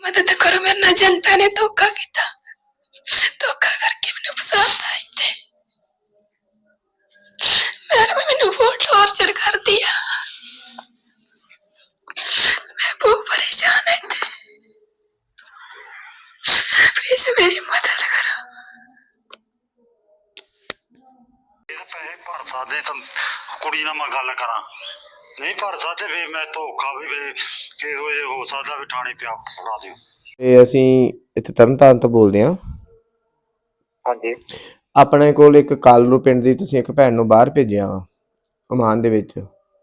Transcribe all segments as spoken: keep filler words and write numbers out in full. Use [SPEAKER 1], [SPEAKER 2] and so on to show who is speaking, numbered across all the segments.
[SPEAKER 1] मदद करो, मेरे ना जनता ने धोखा किया, धोखा करके मैंने फसाता इत्थे। मैडम मैंने बहुत टॉर्चर कर दिया, मैं बहुत परेशान है, प्लीज मेरी मदद करो।
[SPEAKER 2] पैसे भर सकते तो कुड़ी नाल मैं गल करा, नहीं भर सकते फिर मैं धोखा भी किहो जिहा हो सकदा भी थाने पिया फड़ा दिओ।
[SPEAKER 3] ਤੇ ਅਸੀਂ ਇੱਥੇ ਤਰਨਤਾਰਨ ਤੋਂ ਬੋਲਦੇ ਹਾਂ।
[SPEAKER 2] ਹਾਂਜੀ,
[SPEAKER 3] ਆਪਣੇ ਕੋਲ ਇੱਕ ਕਾਲਰੂ ਪਿੰਡ ਦੀ ਤੁਸੀਂ ਇੱਕ ਭੈਣ ਨੂੰ ਬਾਹਰ ਭੇਜਿਆ ਵਾ ਓਮਾਨ ਦੇ ਵਿੱਚ।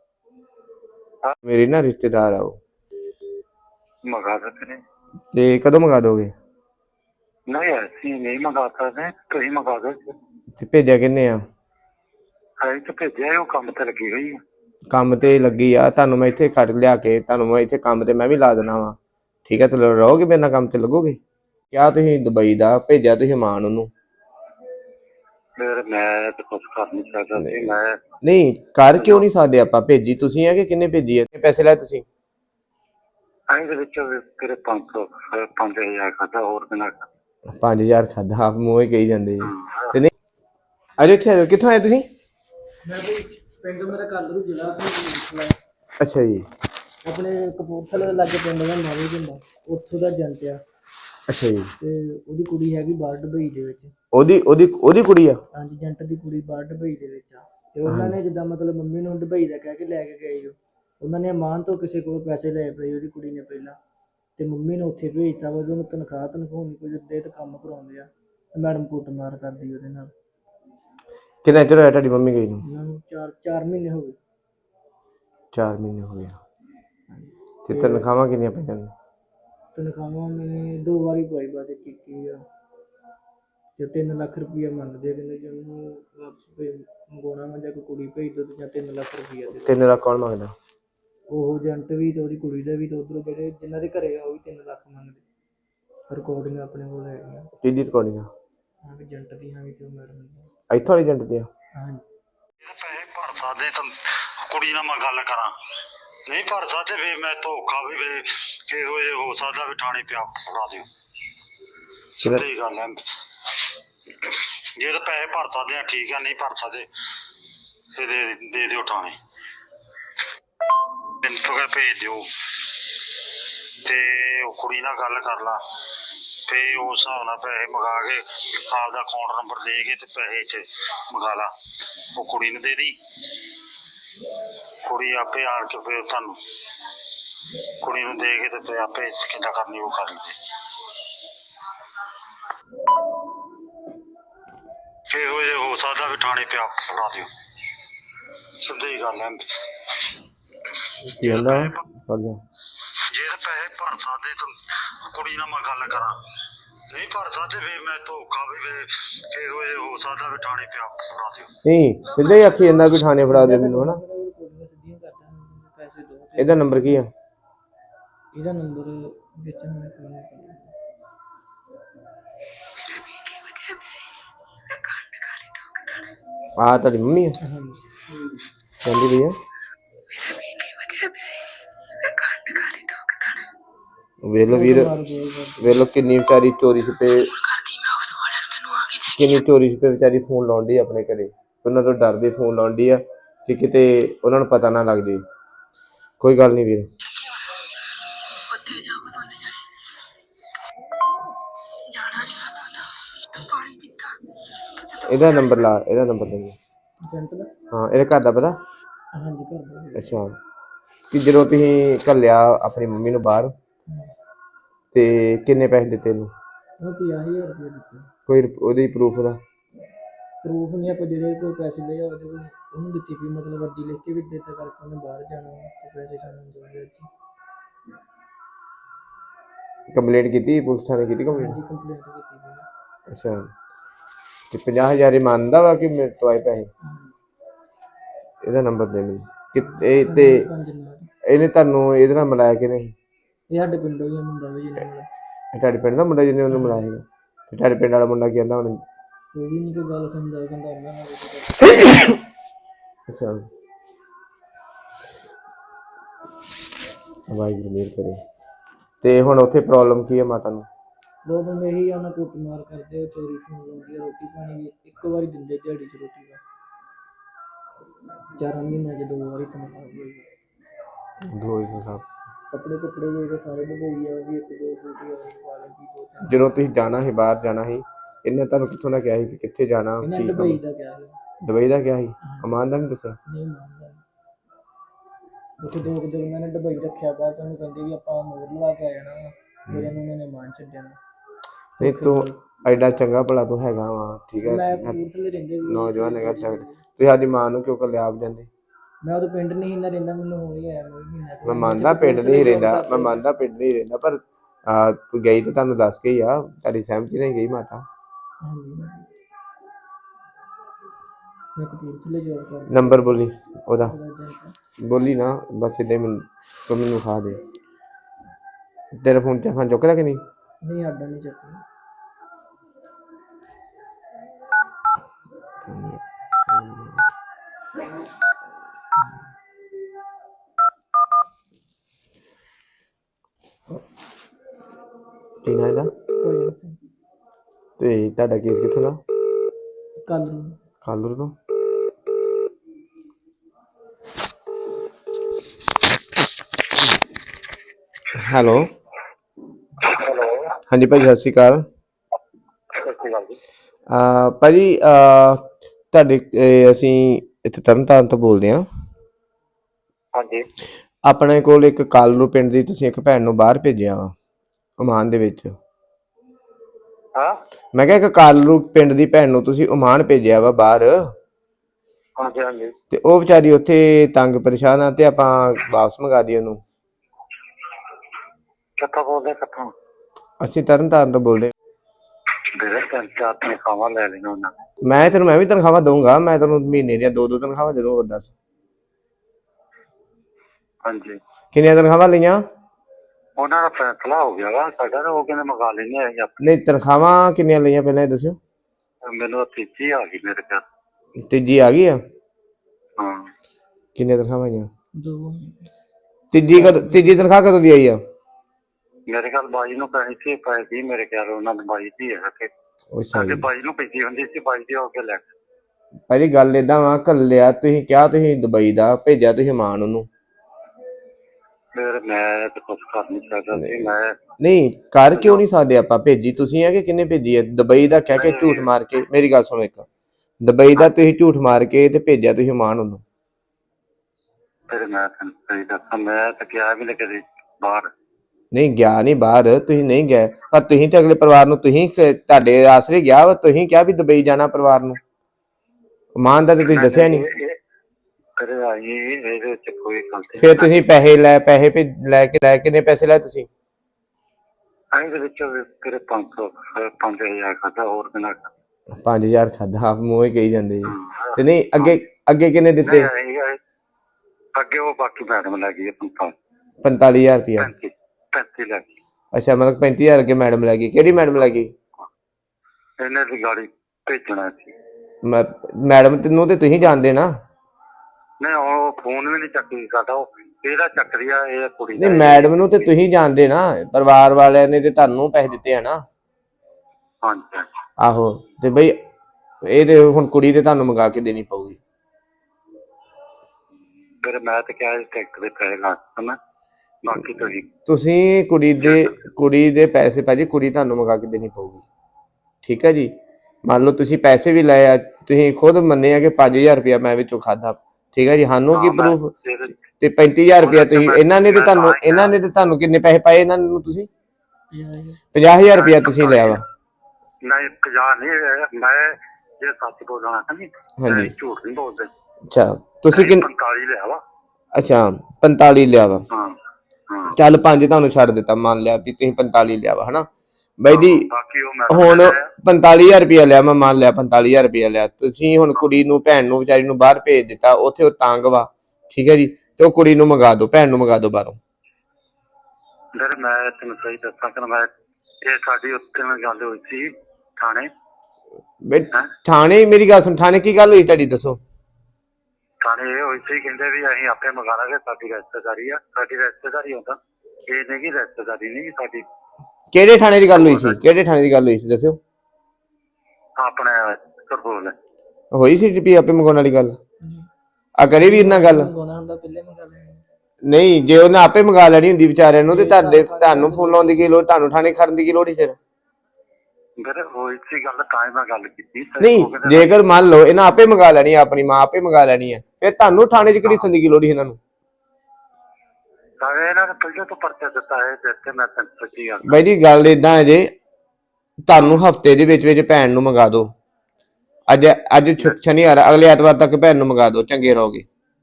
[SPEAKER 3] ਮੇਰੀ ਨਾ ਰਿਸ਼ਤੇਦਾਰ ਆ ਉਹ।
[SPEAKER 2] मंगा सकते हैं।
[SPEAKER 3] ਤੇ ਕਦੋਂ ਮੰਗਾ ਦੋਗੇ?
[SPEAKER 2] नहीं ऐसी नहीं मंगा सकते, तुम मंगा दो।
[SPEAKER 3] ਤੇ ਭੇਜਿਆ ਕਿੰਨੇ ਆ?
[SPEAKER 2] अभी तो भेजा है, वो काम ते लगी हुई है।
[SPEAKER 3] ਕੰਮ ਤੇ ਲੱਗੀ ਆ, ਤੁਹਾਨੂੰ ਮੈਂ ਇੱਥੇ ਖੜ ਲਿਆ ਕੇ ਤੁਹਾਨੂੰ ਮੈਂ ਇੱਥੇ ਕੰਮ ਤੇ ਮੈਂ ਵੀ ਲਾ ਦੇਣਾ ਵਾ, ਠੀਕ ਹੈ? ਤੇ ਰਹੋਗੇ ਮੇਰੇ ਨਾਲ, ਕੰਮ ਤੇ ਲੱਗੋਗੇ? ਕਿਆ ਤੁਸੀਂ ਦੁਬਈ ਦਾ ਭੇਜਿਆ ਤੁਸੀਂ ਓਮਾਨ ਉਹਨੂੰ?
[SPEAKER 2] फिर मैं तो कुछ कर नहीं सकता सी। मैं
[SPEAKER 3] ਨਹੀਂ ਕਰ ਕਿਉਂ ਨਹੀਂ ਸਕਦੇ ਆਪਾਂ? ਭੇਜੀ ਤੁਸੀਂ ਆ ਕਿ ਕਿੰਨੇ ਭੇਜੀ ਹੈ? ਪੈਸੇ ਲਏ ਤੁਸੀਂ?
[SPEAKER 2] अभी के विच तेरे पाँच सौ पाँच हजार खाता और कितना
[SPEAKER 3] ਪੰਜ ਹਜ਼ਾਰ ਖਾਦਾ? ਆਪ ਮੂੰਹ ਹੀ ਕਹੀ ਜਾਂਦੇ ਜੀ। ਤੇ ਨਹੀਂ ਅਜੇ ਇੱਥੇ ਆਇਓ, ਕਿੱਥੋਂ ਆਏ ਤੁਸੀਂ?
[SPEAKER 4] ਮੈਂ ਵੀ ਪਿੰਡ ਮੇਰਾ ਕਾਲਰੂ ਜ਼ਿਲ੍ਹਾ ਤੇ
[SPEAKER 3] ਅੱਛਾ ਜੀ।
[SPEAKER 4] ਆਪਣੇ ਕਪੂਰਥਲੇ ਦੇ ਲਾਗੇ ਪਿੰਡ ਦਾ ਨਾਵੀ ਪਿੰਡ, ਉੱਥੋਂ ਦਾ ਏਜੰਟ ਆ।
[SPEAKER 3] ਅੱਛਾ ਜੀ।
[SPEAKER 4] ਤੇ ਉਹਦੀ ਕੁੜੀ ਹੈਗੀ ਬਾਹਰ ਦੁਬਈ ਦੇ ਵਿੱਚ।
[SPEAKER 3] ਉਹਦੀ ਉਹਦੀ ਉਹਦੀ ਕੁੜੀ ਆ?
[SPEAKER 4] ਹਾਂਜੀ, ਏਜੰਟ ਦੀ ਕੁੜੀ ਬਾਹਰ ਦੁਬਈ ਦੇ ਵਿੱਚ ਆ। ਤੇ ਉਹਨਾਂ ਨੇ ਜਿੱਦਾਂ ਮਤਲਬ ਮੰਮੀ ਨੂੰ ਦੁਬਈ ਦਾ ਕਹਿ ਕੇ ਲੈ ਕੇ ਗਏ ਉਹ, ਉਹਨਾਂ ਨੇ ਅਮਾਨ ਤੋਂ ਕਿਸੇ ਕੋਲ ਪੈਸੇ ਲਏ ਪਏ ਉਹਦੀ ਕੁੜੀ ਨੇ ਪਹਿਲਾਂ, ਤੇ ਮੰਮੀ ਨੂੰ ਉੱਥੇ ਭੇਜਤਾ ਵਾ। ਉਹਨੂੰ ਤਨਖਾਹ ਤਨਖਾਹ ਨਹੀਂ ਕੋਈ ਦਿੰਦੇ ਤੇ ਕੰਮ ਕਰਾਉਂਦੇ ਆ। ਮੈਡਮ ਕੁੱਟਮਾਰ ਕਰਦੀ ਉਹਦੇ ਨਾਲ।
[SPEAKER 3] ਕਿੰਨਾ ਚਿਰ ਹੋਇਆ ਤੁਹਾਡੀ ਮੰਮੀ ਗਈ ਨੂੰ?
[SPEAKER 4] ਉਹਨਾਂ ਨੂੰ ਚਾਰ ਚਾਰ ਮਹੀਨੇ ਹੋ ਗਏ।
[SPEAKER 3] ਚਾਰ ਮਹੀਨੇ ਹੋ ਗਏ। ਤੇ ਤਨਖਾਹਾਂ ਕਿੰਨੀਆਂ ਪਈਆਂ ਨੇ?
[SPEAKER 4] ਤਨਖਾਹਾਂ ਮੈਨੇ ਦੋ ਵਾਰੀ ਪਾਈ ਬਸ, ਇੱਕ ਇੱਕ ਆ। ਤੇ ਤਿੰਨ ਲੱਖ ਰੁਪਈਆ ਮੰਗਦੇ, ਕਹਿੰਦੇ ਜੇ ਉਹਨੂੰ ਵਾਪਸ ਭੇਜ ਮੰਗਵਾਉਣਾ ਵਾ ਜਾਂ ਕੋਈ ਕੁੜੀ ਭੇਜ ਦਿਓ ਜਾਂ ਤਿੰਨ ਲੱਖ ਰੁਪਈਆ ਦੇ।
[SPEAKER 3] ਤਿੰਨ ਲੱਖ ਕੌਣ ਮੰਗਦਾ?
[SPEAKER 4] ਉਹ ਏਜੰਟ ਵੀ ਤੇ ਉਹਦੀ ਕੁੜੀ ਦਾ ਵੀ, ਤੇ ਉੱਧਰੋਂ ਜਿਹੜੇ ਜਿਨ੍ਹਾਂ ਦੇ ਘਰੇ ਆ ਉਹ ਵੀ ਤਿੰਨ ਲੱਖ ਮੰਗਦੇ। ਰਿਕਾਰਡਿੰਗ ਆਪਣੇ ਕੋਲ ਹੈਗੀਆਂ।
[SPEAKER 3] ਕਿਹਦੀ ਰਿਕਾਰਡਿੰਗ ਆ?
[SPEAKER 4] ਹਾਂ ਏਜੰਟ ਦੀ, ਹਾਂ ਵੀ ਤੇ ਮੈਡਮ ਦੀ।
[SPEAKER 3] ਇੱਥੋਂ ਵਾਲੀ ਏਜੰਟ ਦੀ ਆ?
[SPEAKER 4] ਹਾਂਜੀ।
[SPEAKER 2] ਪੈਸੇ ਭਰ ਸਕਦੇ ਤਾਂ ਕੁੜੀ ਨਾਲ ਮੈਂ ਗੱਲ ਕਰਾਂ, ਨਹੀਂ ਭਰ ਸਕਦੇ ਫਿਰ ਮੈਂ ਧੋਖਾ ਵੀ ਕਿਹੋ ਜਿਹਾ ਹੋ ਸਕਦਾ ਵੀ ਥਾਣੇ ਪਿਆ ਫੜਾ ਦਿਓ। ਸਿੱਧੀ ਗੱਲ ਹੈ, ਜੇ ਤਾਂ ਪੈਸੇ ਭਰ ਸਕਦੇ ਆ ਠੀਕ ਆ, ਨਹੀਂ ਭਰ ਸਕਦੇ ਫਿਰ ਦੇ ਦੇ ਦਿਓ ਥਾਣੇ, ਇੰਫੋ ਭੇਜ ਦਿਓ ਤੇ ਉਹ ਕੁੜੀ ਨਾਲ ਗੱਲ ਕਰ ਲਾ। ਤੇ ਉਸ ਹਿਸਾਬ ਨਾਲ ਪੈਸੇ ਮੰਗਾ ਕੇ ਆਪਦਾ ਅਕਾਊਂਟ ਨੰਬਰ ਦੇ ਕੇ ਤੇ ਪੈਸੇ ਚ ਮੰਗਾ ਲਾ। ਉਹ ਕੁੜੀ ਨੂੰ ਦੇ ਦੀ, ਕੁੜੀ ਆਪੇ ਆਣ ਕੇ ਫਿਰ ਤੁਹਾਨੂੰ ਕੁੜੀ ਨੂੰ ਦੇ ਕੇ ਤੇ ਫਿਰ ਆਪੇ ਕਿੱਦਾਂ ਕਰਨੀ ਉਹ ਕਰ ਲਵੇ। ਇਹੋ ਜਿਹਾ ਹੋ ਸਕਦਾ ਵੀ ਥਾਣੇ ਪਿਆ ਫੜਾ ਦਿਓ। ਸਿੱਧੀ ਗੱਲ ਹੈ।
[SPEAKER 3] ਕੀ ਕਹਿੰਦਾ?
[SPEAKER 2] ਜੇ ਤਾਂ ਪੈਸੇ ਭਰ ਸਕਦੇ ਤਾਂ ਕੁੜੀ ਨਾਲ ਮੈਂ ਗੱਲ ਕਰਾਂ, ਨਹੀਂ ਭਰ ਸਕਦੇ ਫਿਰ ਮੈਂ ਧੋਖਾ ਵੀ ਕਿਹੋ ਜਿਹਾ ਹੋ ਸਕਦਾ ਵੀ ਥਾਣੇ ਪਿਆ ਫੜਾ ਦਿਓ।
[SPEAKER 3] ਨਹੀਂ ਸਿੱਧਾ ਹੀ ਆਖੀ ਜਾਂਦਾ ਵੀ ਥਾਣੇ ਫੜਾ ਦਿਓ ਮੈਨੂੰ, ਹਨਾ?
[SPEAKER 4] ਸਿੱਧੀਆਂ ਕਰਦਾ, ਪੈਸੇ ਦੋ।
[SPEAKER 3] ਇਹਦਾ ਨੰਬਰ ਕੀ ਆ?
[SPEAKER 4] ਇਹਦਾ ਨੰਬਰ ਵਿੱਚ ਮੈਂ ਫੋਨ ਕਰਦਾ।
[SPEAKER 3] ਆ ਤੁਹਾਡੀ ਮੰਮੀ ਆ? ਕਹਿੰਦੀ ਵੀ ਆ ਵੇਖ ਲੋ ਵੀਰ, ਵੇਖ ਲੋ ਕਿੰਨੀ ਵਿਚਾਰੀ ਚੋਰੀ ਛਿਪੇ, ਕਿੰਨੀ ਚੋਰੀ ਛਿਪੇ ਵਿਚਾਰੀ ਫੋਨ ਲਾਉਣ ਡਈ ਆਪਣੇ ਘਰੇ। ਉਹਨਾਂ ਤੋਂ ਡਰਦੇ ਫੋਨ ਲਾਉਣ ਡਈ ਆ ਕਿ ਕਿਤੇ ਉਹਨਾਂ ਨੂੰ ਪਤਾ ਨਾ ਲੱਗ ਜੇ। ਕੋਈ ਗੱਲ ਨਹੀਂ ਵੀਰ, ਇਹਦਾ ਨੰਬਰ ਲਾ, ਇਹਦਾ ਨੰਬਰ ਦੇ।
[SPEAKER 4] ਏਜੰਟ ਦਾ?
[SPEAKER 3] ਹਾਂ, ਇਹਦੇ ਘਰ ਦਾ ਪਤਾ?
[SPEAKER 4] ਹਾਂਜੀ ਘਰ ਦਾ।
[SPEAKER 3] ਅੱਛਾ, ਕਿ ਜਦੋਂ ਤੁਸੀਂ ਘੱਲਿਆ ਆਪਣੀ ਮੰਮੀ ਨੂੰ ਬਾਹਰ ਤੇ ਕਿੰਨੇ ਪੈਸੇ ਦਿੱਤੇ ਇਹਨੂੰ?
[SPEAKER 4] ਉਹ ਪੰਜਾਹ ਹਜ਼ਾਰ ਰੁਪਏ ਦਿੱਤੇ।
[SPEAKER 3] ਕੋਈ ਉਹਦੀ ਪ੍ਰੂਫ ਦਾ?
[SPEAKER 4] ਪ੍ਰੂਫ ਨਹੀਂ, ਆਪਾਂ ਜਿਹੜੇ ਕੋਈ ਪੈਸੇ ਲਏ ਉਹਦੇ ਕੋਲ ਉਹਨੂੰ ਦਿੱਤੀ ਵੀ, ਮਤਲਬ ਅਰਜੀ ਲਿਖ ਕੇ ਵੀ ਦਿੱਤਾ ਕਰਕੇ ਉਹਨੇ ਬਾਹਰ ਜਾਣਾ ਤੇ ਪੈਸੇ ਸਾਨੂੰ ਦਿੰਦੇ ਸੀ।
[SPEAKER 3] ਕੰਪਲੇਂਟ ਕੀਤੀ ਪੁਲਿਸ ਥਾਣੇ ਕੀਤੀ ਕੰਪਲੇਂਟ?
[SPEAKER 4] ਹਾਂਜੀ ਕੰਪਲੇਂਟ ਕੀਤੀ ਸੀ।
[SPEAKER 3] ਅੱਛਾ, ਤੇ ਪੰਜਾਹ ਹਜ਼ਾਰ ਹੀ ਮੰਨਦਾ ਵਾ ਕਿ ਮੇਰੇ ਤੋਂ ਆਏ ਪੈਸੇ? ਇਹਦਾ ਨੰਬਰ ਦੇ ਮੈਨੂੰ ਕਿ ਇਹ ਤੇ ਇਹਨੇ ਤੁਹਾਨੂੰ ਇਹਦੇ ਨਾਲ ਮਿਲਾਇਆ ਕਿ ਨਹੀਂ?
[SPEAKER 4] ਇਹ ਸਾਡੇ ਪਿੰਡੋਂ ਹੀ ਆ ਮੁੰਡਾ ਵੀ ਜਿਹਨੇ ਮਿਲਾਇਆ।
[SPEAKER 3] ਤੁਹਾਡੇ ਪਿੰਡ ਦਾ ਮੁੰਡਾ ਜਿਹਨੇ ਉਹਨੂੰ ਮਿਲਾਇਆ ਸੀਗਾ? ਤੇ ਤੁਹਾਡੇ ਪਿੰਡ ਵਾਲਾ ਮੁੰਡਾ ਕੀ ਕਹਿੰਦਾ ਹੁਣ?
[SPEAKER 4] ਉਹ ਵੀ ਨਹੀਂ ਕੋਈ ਗੱਲ ਸਮਝਦਾ, ਕਹਿੰਦਾ ਉਹਨਾਂ ਨਾਲ।
[SPEAKER 3] ਅੱਛਾ, ਵਾਹਿਗੁਰੂ ਮਿਹਰ ਕਰੇ। ਤੇ ਹੁਣ ਉੱਥੇ ਪ੍ਰੋਬਲਮ ਕੀ ਹੈ ਮਾਤਾ ਨੂੰ?
[SPEAKER 4] ਪ੍ਰੋਬਲਮ ਇਹੀ ਆ ਨਾ, ਕੁੱਟਮਾਰ ਕਰਦੇ, ਚੋਰੀ ਫੋਨ ਲਾਉਂਦੀ ਆ, ਰੋਟੀ ਪਾਣੀ ਵੀ ਇੱਕ ਵਾਰੀ ਦਿੰਦੇ ਦਿਹਾੜੀ 'ਚ ਰੋਟੀ ਦਾ, ਚਾਰਾਂ ਮਹੀਨਿਆਂ 'ਚ ਦੋ ਵਾਰੀ ਤਨਖਾਹ ਹੋਈ।
[SPEAKER 3] ਦੋ ਹੀ ਸਾਹਿਬ
[SPEAKER 4] ਕੱਪੜੇ ਕੁੱਪੜੇ ਵੀ ਸਾਰੇ ਵਧਾਈ ਆ, ਉਹਦੀ ਇੱਕ ਦੋ ਛੋਟੀ ਆ ਪਾ ਲੈਂਦੀ ਦੋ ਤਿੰਨ।
[SPEAKER 3] ਜਦੋਂ ਤੁਸੀਂ ਜਾਣਾ ਸੀ ਬਾਹਰ ਜਾਣਾ ਸੀ, ਇਹਨੇ ਤੁਹਾਨੂੰ ਕਿੱਥੋਂ ਦਾ ਕਿਹਾ ਸੀ ਵੀ ਕਿੱਥੇ ਜਾਣਾ?
[SPEAKER 4] ਇਹਨਾਂ
[SPEAKER 3] ਕੀ
[SPEAKER 4] ਦੁਬਈ
[SPEAKER 3] ਕੰਮ?
[SPEAKER 4] ਦਾ ਕਿਹਾ ਸੀ।
[SPEAKER 3] ਦੁਬਈ ਦਾ ਕਿਹਾ ਸੀ? ਅਮਾਨ ਦਾ ਨਹੀਂ ਦੱਸਿਆ?
[SPEAKER 4] ਨਹੀਂ ਮੰਨਦਾ, ਉੱਥੇ ਦੋ ਕੁ ਦਿਨ ਉਹਨਾਂ ਨੇ ਦੁਬਈ ਰੱਖਿਆ, ਬਾਅਦ 'ਚ ਉਹਨੂੰ ਕਹਿੰਦੇ ਵੀ ਆਪਾਂ ਮੋਹਰ ਲਵਾ ਕੇ ਆ ਜਾਣਾ ਵਾ, ਫਿਰ ਇਹਨੂੰ ਉਹਨਾਂ ਨੇ ਮਾਨ ਛੱਡਿਆ।
[SPEAKER 3] ਨਹੀਂ ਤੂੰ ਐਡਾ ਚੰਗਾ ਭਲਾ ਤੂੰ ਹੈਗਾ ਵਾ, ਠੀਕ ਹੈ,
[SPEAKER 4] ਮੈਂ ਕਪੂਰਥਲੇ ਰਹਿੰਦੇ ਵੀ
[SPEAKER 3] ਨੌਜਵਾਨ ਹੈਗਾ, ਤੁਸੀਂ ਸਾਡੀ ਮਾਂ ਨੂੰ ਕਿਉਂ ਕੱਲਿਆ ਆਪ ਜਾਂਦੇ?
[SPEAKER 4] ਮੈਂ ਉਹਦੇ ਪਿੰਡ ਨਹੀਂ ਇੰਨਾ ਰਹਿੰਦਾ, ਮੈਨੂੰ ਹੋ ਹੀ ਆਇਆ ਨੌਂ ਮਹੀਨਾ।
[SPEAKER 3] ਮੈਂ ਮੰਨਦਾ ਪਿੰਡ ਨਹੀਂ ਰਹਿੰਦਾ, ਮੈਂ ਮੰਨਦਾ ਪਿੰਡ ਨਹੀਂ ਰਹਿੰਦਾ, ਪਰ ਆ ਤੂੰ ਗਈ ਤੇ ਤੁਹਾਨੂੰ ਦੱਸ ਕੇ ਹੀ ਆ, ਤੁਹਾਡੀ ਸਹਿਮਤੀ ਨਾਲ ਗਈ ਮਾਤਾ।
[SPEAKER 4] ਹਾਂਜੀ ਮੈਂ ਕਪੂਰਥਲੇ ਜੋਬ ਕਰਦਾ।
[SPEAKER 3] ਨੰਬਰ ਬੋਲੀ ਉਹਦਾ, ਬੋਲੀ ਨਾ ਬਸ ਇੱਦਾਂ ਮੈਨੂੰ ਤੂੰ ਮੈਨੂੰ ਖਾ ਦੇ। ਤੇਰਾ ਫੋਨ ਚ ਹਾਂ ਚੁੱਕਦਾ ਕਿ ਨਹੀਂ?
[SPEAKER 4] ਨਹੀਂ ਆਡਾ ਨਹੀਂ ਚੱਕਦਾ।
[SPEAKER 3] ਕੀ ਨਾਂ ਇਹਦਾ?
[SPEAKER 4] ਕੋਈ ਨਹੀਂ,
[SPEAKER 3] ਤੇ ਤੁਹਾਡਾ ਕੇਸ ਕਿੱਥੋਂ ਦਾ?
[SPEAKER 4] ਕੱਲ ਨੂੰ
[SPEAKER 3] ਖਾਲੂਰ ਤੋਂ। ਹੈਲੋ
[SPEAKER 2] ਹੈਲੋ,
[SPEAKER 3] ਹਾਂਜੀ ਭਾਜੀ ਸਤਿ ਸ਼੍ਰੀ ਅਕਾਲ।
[SPEAKER 2] ਸਤਿ ਸ਼੍ਰੀ ਅਕਾਲ ਜੀ।
[SPEAKER 3] ਅਹ ਭਾਜੀ ਅਹ ਤੁਹਾਡੇ ਇਹ ਅਸੀਂ ਇੱਥੇ ਤਰਨਤਾਰਨ ਤੋਂ ਬੋਲਦੇ ਹਾਂ।
[SPEAKER 2] ਹਾਂਜੀ,
[SPEAKER 3] ਆਪਣੇ ਕੋਲ ਇੱਕ ਕਾਲਰੂ ਪਿੰਡ ਦੀ ਤੁਸੀਂ ਇੱਕ ਭੈਣ ਨੂੰ ਬਾਹਰ ਭੇਜਿਆ ਵਾ ਓਮਾਨ ਦੇ ਵਿੱਚ।
[SPEAKER 2] ਹਾਂ
[SPEAKER 3] ਮੈਂ ਕਿਹਾ ਇੱਕ ਕਾਲਰੂ ਪਿੰਡ ਦੀ ਭੈਣ ਨੂੰ ਤੁਸੀਂ ਓਮਾਨ ਭੇਜਿਆ ਵਾ ਬਾਹਰ,
[SPEAKER 2] ਹਾਂਜੀ ਹਾਂਜੀ।
[SPEAKER 3] ਤੇ ਉਹ ਵਿਚਾਰੀ ਉੱਥੇ ਤੰਗ ਪਰੇਸ਼ਾਨ ਆ, ਤੇ ਆਪਾਂ ਵਾਪਸ ਮੰਗਾ ਦਈਏ ਉਹਨੂੰ।
[SPEAKER 2] ਕਿੱਥੋਂ ਬੋਲਦੇ ਕਿੱਥੋਂ?
[SPEAKER 3] ਅਸੀਂ ਤਰਨਤਾਰਨ ਤੋਂ ਬੋਲਦੇ।
[SPEAKER 2] ਵੀਰੇ ਤਿੰਨ ਚਾਰ ਤਨਖਾਹਾਂ ਲੈ ਲਈਆਂ ਉਹਨਾਂ ਨੇ।
[SPEAKER 3] ਮੈਂ ਤੈਨੂੰ ਮੈਂ ਵੀ ਤਨਖਾਹਾਂ ਦਊਂਗਾ, ਮੈਂ ਤੈਨੂੰ ਮਹੀਨੇ ਦੀਆਂ ਦੋ ਦੋ ਤਨਖਾਹਾਂ ਦੇ ਦੂੰ। ਹੋਰ ਦੱਸ
[SPEAKER 2] ਹਾਂਜੀ,
[SPEAKER 3] ਕਿੰਨੀਆਂ ਤਨਖਾਹਾਂ ਲਈਆਂ?
[SPEAKER 2] ਉਹਨਾਂ ਦਾ ਫੈਸਲਾ ਹੋ ਗਿਆ ਵਾ ਸਾਡਾ, ਤਾਂ ਉਹ ਕਹਿੰਦੇ ਮੰਗਾ ਲੈਂਦੇ ਅਸੀਂ ਆਪਣੇ।
[SPEAKER 3] ਨਹੀਂ ਤਨਖਾਹਾਂ ਕਿੰਨੀਆਂ ਲਈਆਂ ਪਹਿਲਾਂ ਇਹ ਦੱਸਿਓ।
[SPEAKER 2] ਮੈਨੂੰ ਤੀਜੀ ਆ ਗਈ ਮੇਰੇ ਘਰ।
[SPEAKER 3] ਤੀਜੀ ਆ ਗਈ ਆ?
[SPEAKER 2] ਹਾਂ,
[SPEAKER 3] ਕਿੰਨੀਆਂ ਤਨਖਾਹਾਂ ਆਈਆਂ?
[SPEAKER 4] ਦੋ।
[SPEAKER 3] ਤੀਜੀ ਕਦ ਤੀਜੀ ਤਨਖਾਹ ਕਦੋਂ ਦੀ ਆਈ ਆ?
[SPEAKER 2] ਮੇਰੇ ਘਰ ਬਾਈ ਨੂੰ ਪੈਣੀ ਸੀ, ਪੈ ਗਈ ਮੇਰੇ ਘਰ ਉਹਨਾਂ ਦੀ ਬਾਈ ਦੀ ਹੈ ਕਿ
[SPEAKER 3] ਅੱਛਾ
[SPEAKER 2] ਸਾਡੇ
[SPEAKER 3] ਜੀ
[SPEAKER 2] ਬਾਈ ਨੂੰ ਪੈਂਦੀ ਹੁੰਦੀ ਸੀ, ਬਾਈ ਦੀ ਹੋ ਕੇ ਲੈ ਗਏ।
[SPEAKER 3] ਭਾਜੀ ਗੱਲ ਏਦਾਂ ਵਾ, ਘੱਲਿਆ ਤੁਸੀਂ ਕਿਹਾ ਤੁਸੀਂ ਦੁਬਈ ਦਾ, ਭੇਜਿਆ ਤੁਸੀਂ ਮਾਨ ਉਹਨੂੰ।
[SPEAKER 2] ਫਿਰ ਮੈਂ ਤਾਂ ਕੁਛ ਕਰ ਨਹੀਂ ਸਕਦਾ ਸੀ। ਮੈਂ
[SPEAKER 3] ਨਹੀਂ ਕਰ ਕਿਉਂ ਨਹੀਂ ਸਕਦੇ ਆਪਾਂ? ਭੇਜੀ ਤੁਸੀਂ ਆ ਕਿ ਕਿੰਨੇ ਭੇਜੀ ਆ? ਦੁਬਈ ਦਾ ਕਹਿ ਕੇ ਝੂਠ ਮਾਰ ਕੇ, ਮੇਰੀ ਗੱਲ ਸੁਣੋ ਇੱਕ, ਦੁਬਈ ਦਾ ਤੁਸੀਂ ਝੂਠ ਮਾਰ ਕੇ ਤੇ ਭੇਜਿਆ ਤੁਸੀਂ ਮਾਨ ਉਹਨੂੰ।
[SPEAKER 2] ਫਿਰ ਮੈਂ ਤੈਨੂੰ ਸਹੀ ਦੱਸਾਂ, ਮੈਂ ਤਾਂ ਕਿਹਾ ਵੀ ਨਹੀਂ ਕਦੇ ਬਾਹਰ।
[SPEAKER 3] ਨਹੀਂ ਗਿਆ ਨਹੀਂ ਬਾਹਰ, ਤੁਸੀਂ ਨਹੀਂ ਗਏ, ਪਰ ਤੁਸੀਂ ਤੇ ਅਗਲੇ ਪਰਿਵਾਰ ਨੂੰ, ਤੁਸੀਂ ਤੁਹਾਡੇ ਆਸਰੇ ਗਿਆ ਵਾ, ਤੁਸੀਂ ਕਿਹਾ ਵੀ ਦੁਬਈ ਜਾਣਾ ਪਰਿਵਾਰ ਨੂੰ। ਮਾਨ ਦਾ ਤੇ ਤੁਸੀਂ ਦੱਸਿਆ ਨਹੀਂ।
[SPEAKER 2] ਕਰੇ ਆਈ ਇਹਦੇ ਵਿੱਚ ਕੋਈ ਗਲਤੀ
[SPEAKER 3] ਫਿਰ ਤੁਸੀਂ ਪੈਸੇ ਲੈ ਪੈਸੇ ਭੇਜ ਲੈ ਕੇ ਲੈ ਕਿੰਨੇ ਪੈਸੇ ਲਏ ਤੁਸੀਂ?
[SPEAKER 2] ਇਹਦੇ ਵਿੱਚ ਤੇਰੇ ਪੰਜ ਸੌ ਪੰਜ ਹਜ਼ਾਰ ਖਾਦਾ, ਹੋਰ ਕਿੰਨਾ ਖਾਦਾ?
[SPEAKER 3] ਪੰਜ ਹਜ਼ਾਰ ਖਾਦਾ, ਆਪ ਮੂੰਹ ਹੀ ਕਹੀ ਜਾਂਦੇ ਜੀ। ਤੇ ਨਹੀਂ ਅੱਗੇ ਅੱਗੇ ਕਿੰਨੇ ਦਿੱਤੇ?
[SPEAKER 2] ਅੱਗੇ ਉਹ ਬਾਕੀ ਮੈਡਮ ਲੈ ਗਈ ਪੰਤਾਲੀ
[SPEAKER 3] ਪੰਤਾਲੀ ਹਜ਼ਾਰ ਰੁਪਇਆ।
[SPEAKER 2] ਪੈਂਤੀ ਪੈਂਤੀ ਲੈ ਗਈ।
[SPEAKER 3] ਅੱਛਾ, ਮਤਲਬ ਪੈਂਤੀ ਹਜ਼ਾਰ ਅੱਗੇ ਮੈਡਮ ਲੈ ਗਈ। ਕਿਹੜੀ ਮੈਡਮ ਲੈ ਗਈ?
[SPEAKER 2] ਇਹਨੇ ਦੀ ਗਾੜੀ ਭੇਜਣਾ ਸੀ।
[SPEAKER 3] ਮੈਂ ਮੈਡਮ ਤੈਨੂੰ ਤੇ ਤੁਸੀਂ ਜਾਣਦੇ ਨਾ।
[SPEAKER 2] ਨਹੀਂ ਉਹ ਫੋਨ ਵੀ ਨਹੀਂ ਚੱਕੀ ਸਾਡਾ, ਉਹ ਇਹਦਾ ਚੱਕ ਰਹੀ ਆ ਇਹ ਕੁੜੀ।
[SPEAKER 3] ਨਹੀਂ ਮੈਡਮ ਨੂੰ ਤੇ ਤੁਸੀਂ ਜਾਣਦੇ ਨਾ, ਪਰਿਵਾਰ ਵਾਲਿਆਂ ਨੇ ਤੇ ਤੁਹਾਨੂੰ ਪੈਸੇ ਦਿੱਤੇ ਆ ਨਾ।
[SPEAKER 2] ਹਾਂਜੀ
[SPEAKER 3] ਆਹੋ, ਤੇ ਬਈ ਇਹ ਤੇ ਹੁਣ ਕੁੜੀ ਤੇ ਤੁਹਾਨੂੰ ਮੰਗਾ ਕੇ ਦੇਣੀ ਪਊਗੀ।
[SPEAKER 2] ਫਿਰ ਮੈਂ ਤਾਂ ਕਿਹਾ ਟੈਕਟ ਦੇ ਪੈਸੇ ਲਾ ਦਿੱਤਾ, ਬਾਕੀ ਤੁਸੀਂ
[SPEAKER 3] ਤੁਸੀਂ ਕੁੜੀ ਦੇ ਕੁੜੀ ਦੇ ਪੈਸੇ ਭਾਜੀ ਕੁੜੀ ਤੁਹਾਨੂੰ ਮੰਗਾ ਕੇ ਦੇਣੀ ਪਊਗੀ, ਠੀਕ ਹੈ ਜੀ। ਮੰਨ ਲਓ ਤੁਸੀਂ ਪੈਸੇ ਵੀ ਲਏ ਆ, ਤੁਸੀਂ ਖੁਦ ਮੰਨੇ ਆ ਕਿ ਪੰਜ ਹਜ਼ਾਰ ਰੁਪਇਆ ਮੈਂ ਵਿੱਚੋਂ ਖਾਧਾ, ਠੀਕ ਹੈ ਜੀ। ਸਾਨੂੰ ਕੀ ਪ੍ਰੂਫ? ਤੇ ਪੈਂਤੀ ਹਜ਼ਾਰ ਰੁਪਇਆ ਤੁਸੀਂ ਇਹਨਾਂ ਨੇ ਤੇ ਤੁਹਾਨੂੰ ਇਹਨਾਂ ਨੇ ਤੇ ਤੁਹਾਨੂੰ ਕਿੰਨੇ ਪੈਸੇ ਪਾਏ ਇਹਨਾਂ ਨੂੰ? ਤੁਸੀਂ ਪੰਜਾਹ ਹਜ਼ਾਰ ਰੁਪਇਆ ਤੁਸੀਂ ਲਿਆ ਵਾ।
[SPEAKER 2] ਨਹੀਂ ਪੰਜਾਹ ਨਹੀਂ, ਮੈਂ ਜੇ ਸੱਚ ਬੋਲਣਾ ਨਹੀਂ,
[SPEAKER 3] ਹਾਂਜੀ
[SPEAKER 2] ਝੂਠ ਨਹੀਂ ਬੋਲਦੇ।
[SPEAKER 3] ਅੱਛਾ ਤੁਸੀਂ ਕਿੰਨ
[SPEAKER 2] ਪੰਤਾਲੀ ਲਿਆ ਵਾ।
[SPEAKER 3] ਅੱਛਾ ਪੰਤਾਲੀ ਲਿਆ ਵਾ।
[SPEAKER 2] ਹਾਂ ਹਾਂ,
[SPEAKER 3] ਚੱਲ ਪੰਜ ਤੁਹਾਨੂੰ ਛੱਡ ਦਿੱਤਾ, ਮੰਨ ਲਿਆ ਵੀ ਤੁਸੀਂ ਪੰਤਾਲੀ ਲਿਆ ਵਾ, ਹਨਾ ਬਾਈ ਜੀ।
[SPEAKER 2] ਬਾਕੀ ਉਹ
[SPEAKER 3] ਹੁਣ ਪੰਤਾਲੀ ਹਜ਼ਾਰ ਰੁਪਇਆ ਲਿਆ, ਮੈਂ ਮੰਨ ਲਿਆ ਪੰਤਾਲੀ ਹਜ਼ਾਰ ਰੁਪਇਆ ਲਿਆ। ਤੁਸੀਂ ਹੁਣ ਕੁੜੀ ਨੂੰ ਭੈਣ ਨੂੰ ਵਿਚਾਰੀ ਨੂੰ ਬਾਹਰ ਭੇਜ ਦਿੱਤਾ, ਉੱਥੇ ਉਹ ਤੰਗ ਵਾ, ਠੀਕ ਹੈ ਜੀ। ਤੇ ਉਹ ਕੁੜੀ ਨੂੰ ਮੰਗਾ ਦਿਓ, ਭੈਣ ਨੂੰ ਮੰਗਾ ਦਿਓ ਬਾਹਰੋਂ।
[SPEAKER 2] ਫਿਰ ਮੈਂ ਤੈਨੂੰ ਸਹੀ ਦੱਸਾਂ ਕਿ ਮੈਂ ਇਹ ਸਾਡੀ ਉੱਥੇ ਮੈਂ ਗੱਲ ਹੋਈ ਸੀ ਥਾਣੇ।
[SPEAKER 3] ਥਾਣੇ? ਮੇਰੀ ਗੱਲ ਸੁਣ, ਥਾਣੇ ਕੀ ਗੱਲ ਹੋਈ ਤੁਹਾਡੀ ਦੱਸੋ?
[SPEAKER 2] ਥਾਣੇ ਇਹ ਹੋਈ ਸੀ, ਕਹਿੰਦੇ ਵੀ ਅਸੀਂ ਆਪੇ ਮੰਗਾ ਲਾਂਗੇ, ਸਾਡੀ ਰਿਸ਼ਤੇਦਾਰੀ ਆ। ਸਾਡੀ ਰਿਸ਼ਤੇਦਾਰੀ ਹੁੰਦਾ ਇਹ ਨਹੀਂ ਕਿ ਰਿਸ਼ਤੇਦਾਰੀ ਨਹੀਂ ਸਾਡੀ।
[SPEAKER 3] ਕਿਹੜੇ ਥਾਣੇ ਦੀ ਗੱਲ ਹੋਈ ਸੀ ਕਿਹੜੇ ਥਾਣੇ ਦੀ ਗੱਲ ਹੋਈ ਸੀ ਦੱਸਿਓ।
[SPEAKER 2] ਆਪਣੇ ਕਰਬੋਲ
[SPEAKER 3] ਹੋਈ ਸੀ ਵੀ ਆਪੇ ਮੰਗਾਉਣ ਵਾਲੀ ਗੱਲ ਆ ਕਰੀ ਵੀ ਇਹਨਾਂ ਗੱਲ
[SPEAKER 4] ਮੰਗਾਉਣਾ ਹੁੰਦਾ ਪਹਿਲੇ ਮੰਗਾ ਲੈਣਾ।
[SPEAKER 3] ਨਹੀਂ ਜੇ ਉਹਨੇ ਆਪੇ ਮੰਗਾ ਲੈਣੀ ਹੁੰਦੀ ਵਿਚਾਰਿਆਂ ਨੂੰ ਤੇ ਤੁਹਾਡੇ ਤੁਹਾਨੂੰ ਫੋਨ ਲਾਉਣ ਦੀ ਕੀ ਲੋੜ ਤੁਹਾਨੂੰ ਥਾਣੇ ਖੜਨ ਦੀ ਕੀ ਲੋੜ ਸੀ ਫਿਰ।
[SPEAKER 2] ਫਿਰ ਹੋਈ ਸੀ ਗੱਲ ਤਾਂ ਹੀ ਮੈਂ ਗੱਲ ਕੀਤੀ।
[SPEAKER 3] ਨਹੀਂ ਜੇਕਰ ਮੰਨ ਲਓ ਇਹਨਾਂ ਆਪੇ ਮੰਗਾ ਲੈਣੀ ਆ ਆਪਣੀ ਮਾਂ ਆਪੇ ਮੰਗਾ ਲੈਣੀ ਹੈ ਫਿਰ ਤੁਹਾਨੂੰ ਥਾਣੇ 'ਚ ਕਿਹੜੀ ਸੰਦੀ ਕੀ ਲੋੜ ਸੀ ਇਹਨਾਂ ਨੂੰ।
[SPEAKER 2] ਇਹਨਾਂ ਨੇ ਪਹਿਲਾਂ ਤੋਂ ਪਰਚਾ ਦਿੱਤਾ ਹੈ ਤੇ ਮੈਂ ਤੈਨੂੰ ਸੱਚੀ ਗੱਲ
[SPEAKER 3] ਬਾਈ ਜੀ ਗੱਲ ਏਦਾਂ ਹੈ ਜੇ ਤੁਹਾਨੂੰ ਹਫਤੇ ਦੇ ਵਿੱਚ ਵਿੱਚ ਭੈਣ ਨੂੰ ਮੰਗਾ ਦਿਓ। ਅੱਜ ਅੱਜ ਸ਼ਨੀਵਾਰ ਅਗਲੇ ਐਤਵਾਰ ਤੱਕ ਭੈਣ ਨੂੰ ਮੰਗਾ ਦਿਓ ਚੰਗੇ ਰਹੋਗੇ।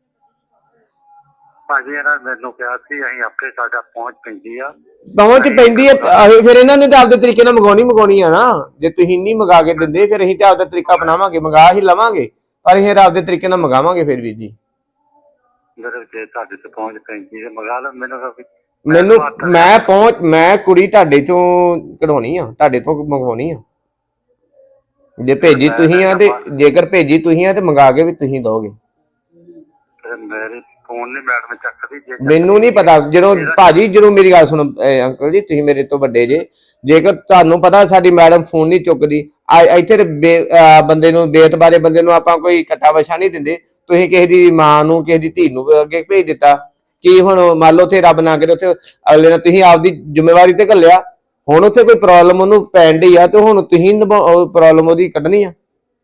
[SPEAKER 2] ਭਾਜੀ ਇਹਨਾਂ ਮੈਨੂੰ ਕਿਹਾ ਸੀ ਅਸੀਂ ਆਪੇ ਸਾਡਾ ਪਹੁੰਚ ਪੈਂਦੀ ਆ
[SPEAKER 3] ਪਹੁੰਚ ਪੈਂਦੀ ਹੈ ਫਿਰ ਇਹਨਾਂ ਨੇ ਤਾਂ ਆਪਦੇ ਤਰੀਕੇ ਨਾਲ ਮੰਗਾਉਣੀ ਮੰਗਾਉਣੀ ਆ ਨਾ। ਜੇ ਤੁਸੀਂ ਨਹੀਂ ਮੰਗਾ ਕੇ ਦਿੰਦੇ ਫਿਰ ਅਸੀਂ ਤਾਂ ਆਪਦਾ ਤਰੀਕਾ ਅਪਣਾਵਾਂਗੇ ਮੰਗਾ ਹੀ ਲਵਾਂਗੇ ਪਰ ਅਸੀਂ ਆਪਦੇ ਤਰੀਕੇ ਨਾਲ ਮੰਗਾਵਾਂਗੇ ਫਿਰ ਵੀ ਜੀ।
[SPEAKER 2] ਮੇਰੇ ਜੇ ਤੁਹਾਡੇ ਤੇ ਪਹੁੰਚ ਪੈਂਦੀ ਤੇ ਮੰਗਾ ਲਓ ਮੈਨੂੰ
[SPEAKER 3] ਮੈਨੂੰ ਮੈਂ ਪਹੁੰਚ ਮੈਂ ਕੁੜੀ ਤੁਹਾਡੇ ਚੋਂ ਕਢਾਉਣੀ ਆ ਤੁਹਾਡੇ ਤੋਂ ਮੰਗਵਾਉਣੀ ਆ। ਜੇ ਭੇਜੀ ਤੁਸੀਂ ਆ ਤੇ ਜੇਕਰ ਭੇਜੀ ਤੁਸੀਂ ਆ ਤੇ ਮੰਗਾ ਕੇ ਵੀ ਤੁਸੀਂ ਦੋਗੇ।
[SPEAKER 2] ਮੇਰੇ ਫੋਨ ਨਹੀਂ ਮੈਡਮ ਚੱਕਦੀ।
[SPEAKER 3] ਮੈਨੂੰ ਨਹੀਂ ਪਤਾ ਜਦੋਂ ਭਾਜੀ ਜਦੋਂ ਮੇਰੀ ਗੱਲ ਸੁਣੋ ਅੰਕਲ ਜੀ ਤੁਸੀਂ ਮੇਰੇ ਤੋਂ ਵੱਡੇ ਜੇ ਜੇਕਰ ਤੁਹਾਨੂੰ ਪਤਾ ਸਾਡੀ ਮੈਡਮ ਫੋਨ ਨਹੀਂ ਚੁੱਕਦੀ ਇੱਥੇ ਤੇ ਬੰਦੇ ਨੂੰ ਬੇਤਬਾਰੇ ਬੰਦੇ ਨੂੰ ਆਪਾਂ ਕੋਈ ਕੱਟਾ ਵਛਾ ਨਹੀਂ ਦਿੰਦੇ। ਤੁਸੀਂ ਕਿਸੇ ਦੀ ਮਾਂ ਨੂੰ ਕਿਸੇ ਦੀ ਧੀ ਨੂੰ ਅੱਗੇ ਭੇਜ ਦਿੱਤਾ ਕੀ ਹੁਣ ਮੰਨ ਲਓ ਉੱਥੇ ਰੱਬ ਨਾ ਕਰੇ ਉੱਥੇ ਅਗਲੇ ਨੇ ਤੁਸੀਂ ਆਪਦੀ ਜ਼ਿੰਮੇਵਾਰੀ ਤੇ ਘੱਲਿਆ ਹੁਣ ਉੱਥੇ ਕੋਈ ਪ੍ਰੋਬਲਮ ਉਹਨੂੰ ਪੈਣ ਡਈ ਆ ਤੇ ਹੁਣ ਤੁਸੀਂ ਪ੍ਰੋਬਲਮ ਉਹਦੀ ਕੱਢਣੀ ਆ।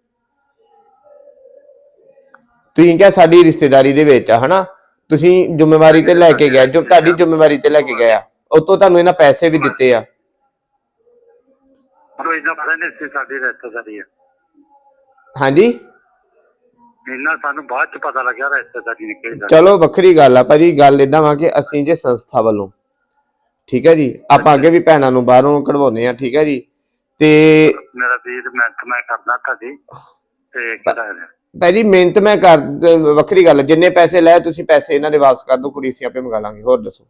[SPEAKER 3] ਤੁਸੀਂ ਕਿਹਾ ਸਾਡੀ ਰਿਸ਼ਤੇਦਾਰੀ ਦੇ ਵਿੱਚ ਆ ਹਨਾ ਤੁਸੀਂ ਜ਼ਿੰਮੇਵਾਰੀ ਤੇ ਲੈ ਕੇ ਗਏ ਜੋ ਤੁਹਾਡੀ ਜ਼ਿੰਮੇਵਾਰੀ ਤੇ ਲੈ ਕੇ ਗਏ ਆ ਉਤੋਂ ਤੁਹਾਨੂੰ ਇਹਨਾਂ ਪੈਸੇ ਵੀ ਦਿੱਤੇ ਆ।
[SPEAKER 2] ਸਾਡੀ ਰਿਸ਼ਤੇਦਾਰੀ ਆ
[SPEAKER 3] ਹਾਂਜੀ
[SPEAKER 2] ਇਹਨਾਂ ਸਾਨੂੰ ਬਾਅਦ ਚ ਪਤਾ ਲੱਗਿਆ ਰਿਸ਼ਤੇਦਾਰੀ ਨਿਕਲੀ।
[SPEAKER 3] ਚਲੋ ਵੱਖਰੀ ਗੱਲ ਆ ਭਾਜੀ ਗੱਲ ਏਦਾਂ ਵਾ ਕਿ ਅਸੀਂ ਜੇ ਸੰਸਥਾ ਵੱਲੋਂ ਠੀਕ ਹੈ ਜੀ ਆਪਾਂ ਅੱਗੇ ਵੀ ਭੈਣਾਂ ਨੂੰ ਬਾਹਰੋਂ ਕਢਵਾਉਂਦੇ ਆ ਠੀਕ ਹੈ ਜੀ ਤੇ
[SPEAKER 2] ਮੇਰਾ ਵੀਰ ਮਿਹਨਤ ਮੈਂ ਕਰਦਾ ਤੁਹਾਡੀ ਤੇ
[SPEAKER 3] ਭਾਜੀ ਮਿਹਨਤ ਮੈਂ ਕਰ ਵੱਖਰੀ ਗੱਲ ਜਿੰਨੇ ਪੈਸੇ ਲਏ ਤੁਸੀਂ ਪੈਸੇ ਇਹਨਾਂ ਦੇ ਵਾਪਸ ਕਰ ਦਿਓ ਕੁੜੀ ਅਸੀਂ ਆਪੇ ਮੰਗਾ ਲਾਂਗੇ। ਹੋਰ ਦੱਸੋ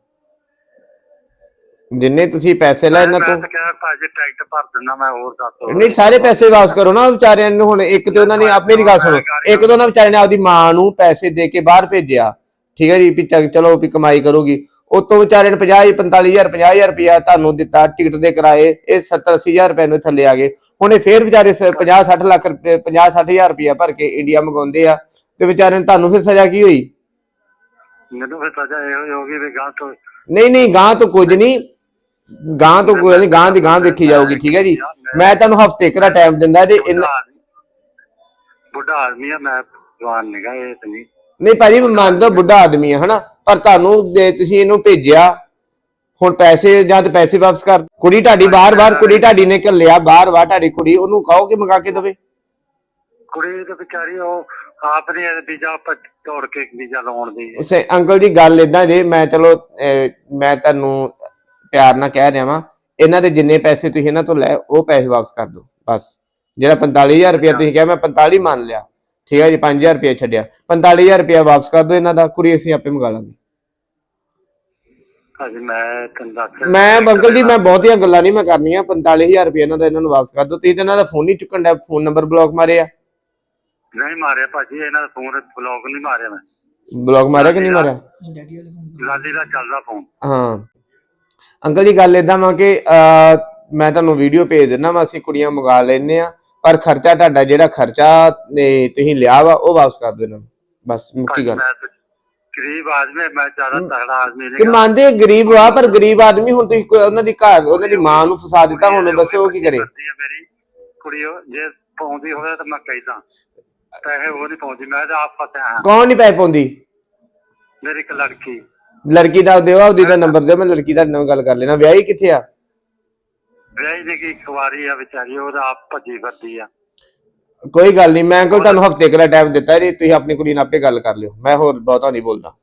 [SPEAKER 3] ਜਿੰਨੇ ਤੁਸੀਂ ਪੈਸੇ ਲਏ ਇਹਨਾਂ ਤੋਂ
[SPEAKER 2] ਟਿਕਟ ਭਰ ਦਿੰਦਾ ਮੈਂ ਹੋਰ ਦੱਸ
[SPEAKER 3] ਨਹੀਂ ਸਾਰੇ ਪੈਸੇ ਵਾਪਸ ਕਰੋ ਨਾ ਵਿਚਾਰਿਆਂ ਨੂੰ। ਹੁਣ ਇੱਕ ਤੇ ਉਹਨਾਂ ਨੇ ਆਪੇ ਦੀ ਗੱਲ ਸੁਣੋ ਇੱਕ ਤਾਂ ਉਹਨਾਂ ਵਿਚਾਰਿਆਂ ਨੇ ਆਪਦੀ ਮਾਂ ਨੂੰ ਪੈਸੇ ਦੇ ਕੇ ਬਾਹਰ ਭੇਜਿਆ ਠੀਕ ਹੈ ਜੀ ਵੀ ਚਲੋ ਵੀ ਕਮਾਈ ਕਰੂਗੀ ਉਤੋਂ ਵਿਚਾਰੇ ਨੇ ਪੰਜਾਹ ਪੰਤਾਲੀ ਹਜ਼ਾਰ ਪੰਜਾਹ ਹਜ਼ਾਰ ਰੁਪਇਆ ਤੁਹਾਨੂੰ ਦਿੱਤਾ ਟਿਕਟ ਦੇ ਕਿਰਾਏ ਇਹ ਸੱਤਰ ਅੱਸੀ ਹਜ਼ਾਰ ਰੁਪਏ ਨੂੰ ਥੱਲੇ ਆ ਗਏ। ਹੁਣ ਇਹ ਫੇਰ ਵਿਚਾਰੇ ਪੰਜਾਹ ਸੱਠ ਲੱਖ ਰੁਪਏ ਪੰਜਾਹ ਸੱਠ ਹਜ਼ਾਰ ਰੁਪਇਆ ਭਰ ਕੇ ਇੰਡੀਆ ਮੰਗਵਾਉਂਦੇ ਆ ਤੇ ਵਿਚਾਰੇ ਨੂੰ ਤੁਹਾਨੂੰ ਫਿਰ ਸਜ਼ਾ ਕੀ ਹੋਈ।
[SPEAKER 2] ਮੈਨੂੰ ਫਿਰ ਸਜ਼ਾ ਇਹ ਹੋ ਗਈ ਵੀ ਗਾਂ ਤੋਂ
[SPEAKER 3] ਨਹੀਂ ਨਹੀਂ ਗਾਂ ਤੋਂ ਕੁਝ ਨਹੀਂ ਗਾਂ ਤੋਂ ਕੋਈ ਨਹੀਂ ਗਾਂ ਦੀ ਗਾਂ ਵੇਖੀ ਜਾਊਗੀ ਠੀਕ ਹੈ ਜੀ। ਮੈਂ ਤੁਹਾਨੂੰ ਹਫ਼ਤੇ ਇੱਕ ਦਾ ਟਾਈਮ ਦਿੰਦਾ ਜੇ
[SPEAKER 2] ਬੁੱਢਾ ਆਦਮੀ ਆ ਮੈਂ ਜਵਾਨ ਨਿਗਾ ਇਹ ਤੇ ਨਹੀਂ
[SPEAKER 3] ਨਹੀਂ ਭਾਜੀ ਮੈਂ ਮੰਨਦਾ ਬੁੱਢਾ ਆਦਮੀ ਆ ਹਨਾ ਪਰ ਤੁਹਾਨੂੰ ਜੇ ਤੁਸੀਂ ਇਹਨੂੰ ਭੇਜਿਆ ਹੁਣ ਪੈਸੇ ਜਾਂ ਤੇ ਪੈਸੇ ਵਾਪਸ ਕਰ। ਕੁੜੀ ਤੁਹਾਡੀ ਬਾਰ ਬਾਰ ਕੁੜੀ ਤੁਹਾਡੀ ਨੇ ਘੱਲਿਆ ਬਾਰ ਬਾਰ ਤੁਹਾਡੀ ਕੁੜੀ ਉਹਨੂੰ ਕਹੋ ਕਿ ਮੰਗਾ ਕੇ ਦੇਵੇ।
[SPEAKER 2] ਕੁੜੀ ਤੇ ਵਿਚਾਰੀ ਉਹ ਆਪ ਨੇ ਵੀਜ਼ਾ ਤੋੜ ਕੇ ਵੀਜ਼ਾ ਲਾਉਣ ਦੀ
[SPEAKER 3] ਅੰਕਲ ਜੀ ਗੱਲ ਏਦਾਂ ਜੇ ਮੈਂ ਚਲੋ ਮੈਂ ਤੁਹਾਨੂੰ ਪਿਆਰ ਨਾਲ ਕਹਿ ਰਿਹਾ ਵਾਂ ਇਹਨਾਂ ਦੇ ਜਿੰਨੇ ਪੈਸੇ ਤੁਸੀਂ ਇਹਨਾਂ ਤੋਂ ਲੈ ਉਹ ਪੈਸੇ ਵਾਪਸ ਕਰ ਦਿਓ ਬਸ। ਜਿਹੜਾ ਪੰਤਾਲੀ ਹਜ਼ਾਰ ਰੁਪਇਆ ਤੁਸੀਂ ਕਿਹਾ ਮੈਂ ਪੰਤਾਲੀ ਮੰਨ ਲਿਆ ਠੀਕ ਹੈ ਜੀ ਪੰਜ ਹਜ਼ਾਰ ਰੁਪਇਆ ਛੱਡਿਆ ਪੰਤਾਲੀ ਹਜ਼ਾਰ ਰੁਪਇਆ ਵਾਪਸ ਕਰ ਦਿਓ ਇਹਨਾਂ ਦਾ ਕੁੜੀ ਅਸੀਂ ਆਪੇ ਮੰਗਾ ਲਾਂਗੇ। ਮੈਂ ਅੰਕਲ ਜੀ ਮੈਂ ਬਹੁਤੀਆਂ ਗੱਲਾਂ ਨਹੀਂ ਮੈਂ ਕਰਨੀਆਂ ਪੰਤਾਲੀ ਹਜ਼ਾਰ ਰੁਪਇਆ ਇਹਨਾਂ ਦਾ ਇਹਨਾਂ ਨੂੰ ਵਾਪਸ ਕਰ ਦਿਓ। ਤੁਸੀਂ ਤਾਂ ਇਹਨਾਂ ਦਾ ਫੋਨ ਨਹੀਂ ਚੁੱਕਣ ਦਾ ਫੋਨ ਨੰਬਰ ਬਲੌਕ ਮਾਰਿਆ।
[SPEAKER 2] ਨਹੀਂ ਮਾਰਿਆ ਭਾਜੀ ਇਹਨਾਂ ਦਾ ਫੋਨ ਬਲੌਕ ਨਹੀਂ ਮਾਰਿਆ ਮੈਂ
[SPEAKER 3] ਬਲੌਕ ਮਾਰਿਆ ਕਿ ਨਹੀਂ ਮਾਰਿਆ
[SPEAKER 2] ਲਾਲੀ ਦਾ ਚੱਲਦਾ ਫੋਨ।
[SPEAKER 3] ਹਾਂ ਅੰਕਲ ਜੀ ਗੱਲ ਏਦਾਂ ਵਾ ਕਿ ਮੈਂ ਤੁਹਾਨੂੰ ਵੀਡੀਓ ਭੇਜ ਦਿੰਦਾ ਵਾ ਅਸੀਂ ਕੁੜੀਆਂ ਮੰਗਾ ਲੈਂਦੇ ਆ ਪਰ ਖਰਚਾ ਤੁਹਾਡਾ ਜਿਹੜਾ ਖਰਚਾ ਤੁਸੀਂ ਲਿਆ ਵਾ ਉਹ ਵਾਪਸ ਕਰ ਦਿਓ ਇਹਨਾਂ ਨੂੰ ਬਸ ਮੁੱਕੀ ਗੱਲ।
[SPEAKER 2] ਗਰੀਬ ਆਦਮੀ ਮੈਂ ਜ਼ਿਆਦਾ ਤਗੜਾ ਆਦਮੀ
[SPEAKER 3] ਨਹੀਂ ਮੰਨਦੇ ਗਰੀਬ ਆ ਪਰ ਗਰੀਬ ਆਦਮੀ ਹੁਣ ਤੁਸੀਂ ਉਹਨਾਂ ਦੀ ਘਰ ਉਹਨਾਂ ਦੀ ਮਾਂ ਨੂੰ ਫਸਾ ਦਿੱਤਾ ਹੁਣ ਬਸ ਉਹ ਕੀ ਕਰੇ।
[SPEAKER 2] ਮੇਰੀ ਕੁੜੀ ਜੇ ਪਾਉਂਦੀ ਹੋਵੇ ਤਾਂ ਮੈਂ ਕਹਿੰਦਾ ਪੈਸੇ ਉਹ ਨਹੀਂ ਪਾਉਂਦੀ ਮੈਂ ਤਾਂ ਆਪ ਫਸਿਆ।
[SPEAKER 3] ਕੌਣ ਨਹੀਂ ਪੈਸੇ ਪਾਉਂਦੀ।
[SPEAKER 2] ਮੇਰੀ ਇੱਕ ਲੜਕੀ
[SPEAKER 3] ਲੜਕੀ ਦਾ ਦਿਓ ਉਹਦੀ ਦਾ ਨੰਬਰ ਦਿਓ ਮੈਂ ਲੜਕੀ ਦਾ ਨਾਲ ਗੱਲ ਕਰ ਲੈਣਾ। ਵਿਆਹੀ ਕਿੱਥੇ ਆ।
[SPEAKER 2] ਵਿਆਹੀ ਦੀ ਇੱਕ ਵਾਰੀ ਆ ਵਿਚਾਰੀ ਉਹਦਾ ਆਪ ਭੱਜੀ ਫਿਰਦੀ ਆ।
[SPEAKER 3] ਕੋਈ ਗੱਲ ਨਹੀਂ ਮੈਂ ਕੋਲ ਤੁਹਾਨੂੰ ਹਫ਼ਤੇ ਕੁ ਦਾ ਟਾਈਮ ਦਿੱਤਾ ਜੀ ਤੁਸੀਂ ਆਪਣੀ ਕੁੜੀ ਨਾਲ ਆਪੇ ਗੱਲ ਕਰ ਲਿਓ ਮੈਂ ਹੋਰ ਬਹੁਤਾ ਨਹੀਂ ਬੋਲਦਾ।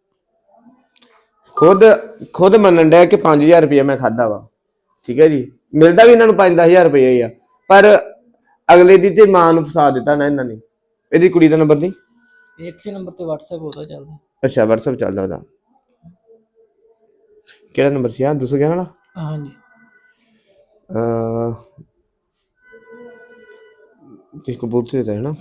[SPEAKER 3] ਖੁਦ ਖੁਦ ਮੰਨਣ ਡਿਆ ਕਿ ਪੰਜ ਹਜ਼ਾਰ ਰੁਪਇਆ ਮੈਂ ਖਾਧਾ ਵਾ ਠੀਕ ਹੈ ਜੀ ਮਿਲਦਾ ਵੀ ਇਹਨਾਂ ਨੂੰ ਪੰਜ ਦਸ ਹਜ਼ਾਰ ਰੁਪਇਆ ਹੀ ਆ ਪਰ ਅਗਲੇ ਦੀ ਤੇ ਮਾਂ ਨੂੰ ਫਸਾ ਦਿੱਤਾ ਨਾ ਇਹਨਾਂ ਨੇ। ਇਹਦੀ ਕੁੜੀ ਦਾ ਨੰਬਰ ਨਹੀਂ
[SPEAKER 4] ਇਸੇ ਨੰਬਰ ਤੇ WhatsApp ਉਹਦਾ ਚੱਲਦਾ।
[SPEAKER 3] ਅੱਛਾ WhatsApp ਚੱਲਦਾ ਉਹਦਾ ਕਿਹੜਾ ਨੰਬਰ ਸੀ ਆ ਦੋ ਸੌ ਗਿਆਰਾਂ ਵਾਲਾ।
[SPEAKER 4] ਹਾਂਜੀ
[SPEAKER 3] ਤੁਸੀਂ ਕਬੂਤਰ ਤੇ ਹੈ ਨਾ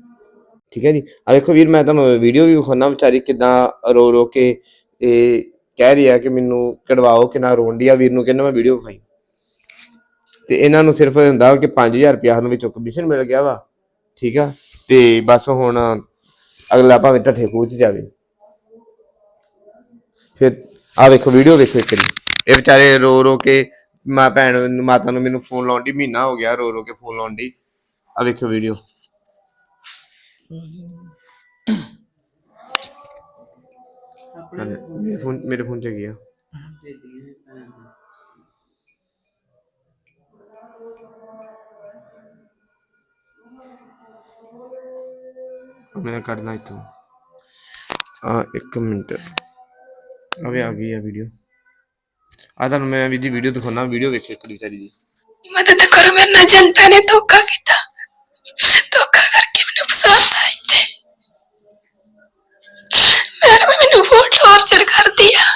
[SPEAKER 3] ਠੀਕ ਹੈ ਜੀ। ਆ ਦੇਖੋ ਵੀਰ ਮੈਂ ਤੁਹਾਨੂੰ ਵੀਡੀਓ ਵੀ ਵਿਖਾਉਣਾ ਵਿਚਾਰੀ ਕਿੱਦਾਂ ਰੋ ਰੋ ਕੇ ਇਹ ਕਹਿ ਰਹੀ ਆ ਕਿ ਮੈਨੂੰ ਕਢਵਾਓ ਕਿ ਨਾ ਰੋਣ ਡਈ ਆ। ਵੀਰ ਨੂੰ ਕਹਿੰਦਾ ਮੈਂ ਵੀਡੀਓ ਵਿਖਾਈ ਤੇ ਇਹਨਾਂ ਨੂੰ ਸਿਰਫ ਹੁੰਦਾ ਕਿ ਪੰਜ ਹਜ਼ਾਰ ਰੁਪਇਆ ਸਾਨੂੰ ਵਿੱਚੋਂ ਕਮਿਸ਼ਨ ਮਿਲ ਗਿਆ ਵਾ, ਠੀਕ ਆ। ਤੇ ਬਸ ਹੁਣ ਅਗਲਾ ਭਾਵੇਂ ਢੱਠੇ ਖੂਹ 'ਚ ਜਾਵੇ। ਫਿਰ ਆ ਵੇਖੋ ਵੀਡੀਓ ਵੇਖੋ ਇੱਕ ਵਾਰੀ, ਇਹ ਵਿਚਾਰੇ ਰੋ ਰੋ ਕੇ ਮਾਂ ਭੈਣ ਮਾਤਾ ਨੂੰ ਮੈਨੂੰ ਫੋਨ ਲਾਉਣ ਦੀ, ਮਹੀਨਾ ਹੋ ਗਿਆ ਰੋ ਰੋ ਕੇ ਫੋਨ ਲਾਉਣ ਦੀ। ਆ ਵੇਖੋ ਵੀਡੀਓ। ਮੇਰੇ ਫੋਨ ਮੇਰੇ ਫੋਨ 'ਚ ਹੈਗੀ ਆ। ਮੈਂ ਕੱਢਦਾ ਇੱਥੋਂ ਆ ਇੱਕ ਮਿੰਟ। ਅਵੇ ਆ ਗਈ ਆ ਵੀਡੀਓ। ਆ ਤੁਹਾਨੂੰ ਮੈਂ ਵੀ ਦੀ ਵੀਡੀਓ ਦਿਖਾਉਣਾ, ਵੀਡੀਓ ਵੇਖੋ ਇੱਕ ਵਿਚਾਰੀ ਦੀ।
[SPEAKER 1] ਮਦਦ ਕਰੋ, ਮੇਰੇ ਨਾਲ ਜੰਟਾ ਨੇ ਧੋਖਾ ਕੀਤਾ, ਧੋਖਾ ਕਰਕੇ ਮੈਨੂੰ ਫਸਾਤਾ ਇੱਥੇ। ਮੈਡਮ ਮੈਨੂੰ ਬਹੁਤ ਟੌਰਚਰ ਕਰਦੀ ਆ,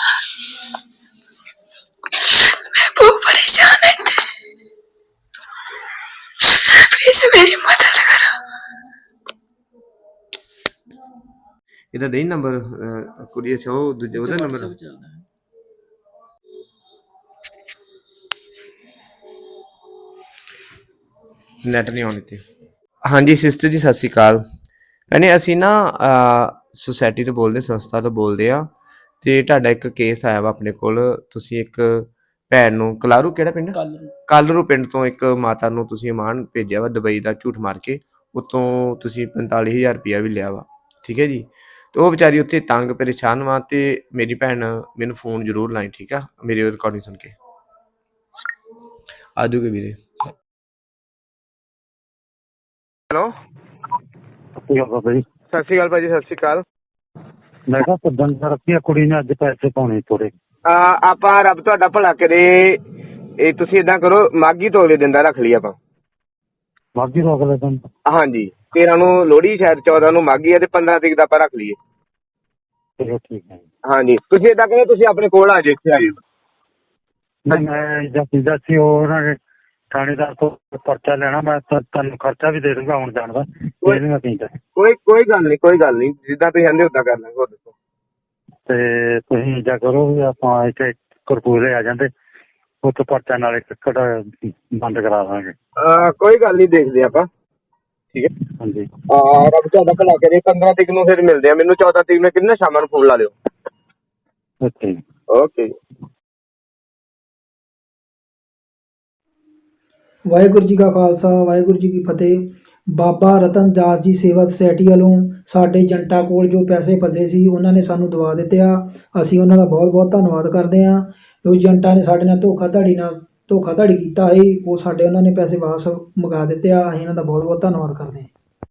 [SPEAKER 1] ਮੈਂ ਬਹੁਤ ਪਰੇਸ਼ਾਨ ਹਾਂ ਇੱਥੇ। ਪਲੀਜ਼ ਮੇਰੀ ਮਦਦ ਕਰੋ।
[SPEAKER 3] ਇਹਦਾ ਦੇ ਨੰਬਰ ਕੁੜੀ ਅੱਛਾ ਉਹ ਦੂਜੇ ਉਹਦਾ ਨੰਬਰ
[SPEAKER 4] ਚੱਲਦਾ ਹੈ।
[SPEAKER 3] ਨੈਟ ਨਹੀਂ ਆਉਣ ਇੱਥੇ। ਹਾਂਜੀ ਸਿਸਟਰ ਜੀ ਸਤਿ ਸ਼੍ਰੀ ਅਕਾਲ। ਕਹਿੰਦੇ ਅਸੀਂ ਨਾ ਸੁਸਾਇਟੀ ਤੋਂ ਬੋਲਦੇ, ਸੰਸਥਾ ਤੋਂ ਬੋਲਦੇ ਆ ਤੇ ਤੁਹਾਡਾ ਇੱਕ ਕੇਸ ਆਇਆ ਵਾ ਆਪਣੇ ਕੋਲ। ਤੁਸੀਂ ਇੱਕ ਭੈਣ ਨੂੰ ਕਲਾਰੂ, ਕਿਹੜਾ ਪਿੰਡ? ਕਾਲਰੂ ਪਿੰਡ ਤੋਂ ਇੱਕ ਮਾਤਾ ਨੂੰ ਤੁਸੀਂ ਅਮਾਨ ਭੇਜਿਆ ਵਾ ਦੁਬਈ ਦਾ ਝੂਠ ਮਾਰ ਕੇ। ਉਤੋਂ ਤੁਸੀਂ ਪੰਤਾਲੀ ਹਜ਼ਾਰ ਰੁਪਇਆ ਵੀ ਲਿਆ ਵਾ, ਠੀਕ ਹੈ ਜੀ। ਤੇ ਉਹ ਵਿਚਾਰੀ ਉੱਥੇ ਤੰਗ ਪਰੇਸ਼ਾਨ ਵਾ ਤੇ ਮੇਰੀ ਭੈਣ ਮੈਨੂੰ ਫੋਨ ਜ਼ਰੂਰ ਲਾਈ, ਠੀਕ ਆ, ਮੇਰੀ ਰਿਕਾਰਡਿੰਗ ਸੁਣ ਕੇ। ਆ ਜਾਊਗੇ ਵੀਰੇ। ਹੈਲੋ
[SPEAKER 2] ਸਤਿ ਸ਼੍ਰੀ ਅਕਾਲ ਬਾਬਾ ਜੀ।
[SPEAKER 3] ਸਤਿ ਸ਼੍ਰੀ ਅਕਾਲ ਭਾਜੀ, ਸਤਿ ਸ਼੍ਰੀ ਅਕਾਲ।
[SPEAKER 2] ਮੈਂ ਕਿਹਾ ਸੱਦਣ ਰੱਖੀ ਕੁੜੀ ਨੇ ਅੱਜ ਪੈਸੇ ਪਾਉਣੇ ਥੋੜੇ।
[SPEAKER 3] ਆਪਾਂ ਰੱਬ ਤੁਹਾਡਾ ਭਲਾ ਕਰੇ। ਇਹ ਤੁਸੀਂ ਏਦਾਂ ਕਰੋ, ਮਾਘੀ ਤੋਂ ਅਗਲੇ ਦਿਨ ਦਾ ਰੱਖ ਲਈ ਆਪਾਂ।
[SPEAKER 2] ਮਾਘੀ ਤੋਂ ਅਗਲੇ ਦਿਨ?
[SPEAKER 3] ਹਾਂਜੀ, ਤੇਰਾਂ ਨੂੰ ਲੋਹੜੀ, ਸ਼ਾਇਦ ਚੌਦਾਂ ਨੂੰ ਮਾਘੀ ਹੈ ਤੇ ਪੰਦਰਾਂ ਤਰੀਕ ਦਾ ਆਪਾਂ ਰੱਖ ਲਈਏ।
[SPEAKER 2] ਚਲੋ ਠੀਕ ਹੈ।
[SPEAKER 3] ਹਾਂਜੀ ਤੁਸੀਂ ਏਦਾਂ ਕਰੋ, ਤੁਸੀਂ ਆਪਣੇ ਕੋਲ ਆ ਜਾਓ, ਇੱਥੇ ਆ ਜਾਓ।
[SPEAKER 2] ਨਹੀਂ ਮੈਂ ਜਾਂ ਪੀਦਾ ਸੀ ਉਹ ਉਹਨਾਂ ਨੇ ਥਾਣੇਦਾਰ ਤੋਂ ਪਰਚਾ ਲੈਣਾ, ਮੈਂ ਤੁਹਾਨੂੰ ਖਰਚਾ ਵੀ ਦੇ ਦੂੰਗਾ ਆਉਣ ਜਾਣ ਦਾ। ਮੈਂ ਪੀਂਦਾ
[SPEAKER 3] ਕੋਈ ਕੋਈ ਗੱਲ ਨਹੀਂ, ਕੋਈ ਗੱਲ ਨਹੀਂ, ਜਿੱਦਾਂ ਤੁਸੀਂ ਕਹਿੰਦੇ ਉਦਾਂ ਕਰ ਲਾਂਗੇ। ਹੋਰ ਦੱਸੋ।
[SPEAKER 2] ਤੇ ਤੁਸੀਂ ਇੱਦਾਂ ਕਰੋ ਵੀ ਆਪਾਂ ਇੱਥੇ ਕਰਪੂਰੇ ਆ ਜਾਂਦੇ, ਉੱਥੇ ਪਰਚਾ ਨਾਲੇ ਟਿਕਟ ਬੰਦ ਕਰਾ ਦਾਂਗੇ।
[SPEAKER 3] ਕੋਈ ਗੱਲ ਨਹੀਂ, ਦੇਖਦੇ ਆਪਾਂ, ਠੀਕ ਹੈ।
[SPEAKER 2] ਹਾਂਜੀ
[SPEAKER 3] ਰੱਬ ਤੁਹਾਡਾ ਭਲਾ ਕਰੇ। ਪੰਦਰਾਂ ਤਰੀਕ ਨੂੰ ਫਿਰ ਮਿਲਦੇ ਆ। ਮੈਨੂੰ ਚੌਦਾਂ ਤਰੀਕ ਨੂੰ ਕਿੰਨਾ ਸ਼ਾਮਾਂ ਨੂੰ ਫੋਨ ਲਾ ਲਿਓ।
[SPEAKER 2] Okay
[SPEAKER 3] okay.
[SPEAKER 5] ਵਾਹਿਗੁਰੂ ਜੀ ਕਾ ਖਾਲਸਾ, ਵਾਹਿਗੁਰੂ ਜੀ ਕੀ ਫਤਿਹ। ਬਾਬਾ ਰਤਨ ਦਾਸ ਜੀ ਸੇਵਾ ਸੁਸਾਇਟੀ ਵੱਲੋਂ ਸਾਡੇ ਏਜੰਟਾਂ ਕੋਲ ਜੋ ਪੈਸੇ ਫਸੇ ਸੀ ਉਹਨਾਂ ਨੇ ਸਾਨੂੰ ਦਵਾ ਦਿੱਤੇ ਆ। ਅਸੀਂ ਉਹਨਾਂ ਦਾ ਬਹੁਤ ਬਹੁਤ ਧੰਨਵਾਦ ਕਰਦੇ ਹਾਂ। ਜੋ ਏਜੰਟਾਂ ਨੇ ਸਾਡੇ ਨਾਲ ਧੋਖਾਧੜੀ ਨਾਲ ਧੋਖਾਧੜੀ ਕੀਤਾ ਸੀ, ਉਹ ਸਾਡੇ ਉਹਨਾਂ ਨੇ ਪੈਸੇ ਵਾਪਸ ਮੰਗਾ ਦਿੱਤੇ ਆ। ਅਸੀਂ ਇਹਨਾਂ ਦਾ ਬਹੁਤ ਬਹੁਤ ਧੰਨਵਾਦ ਕਰਦੇ ਹਾਂ।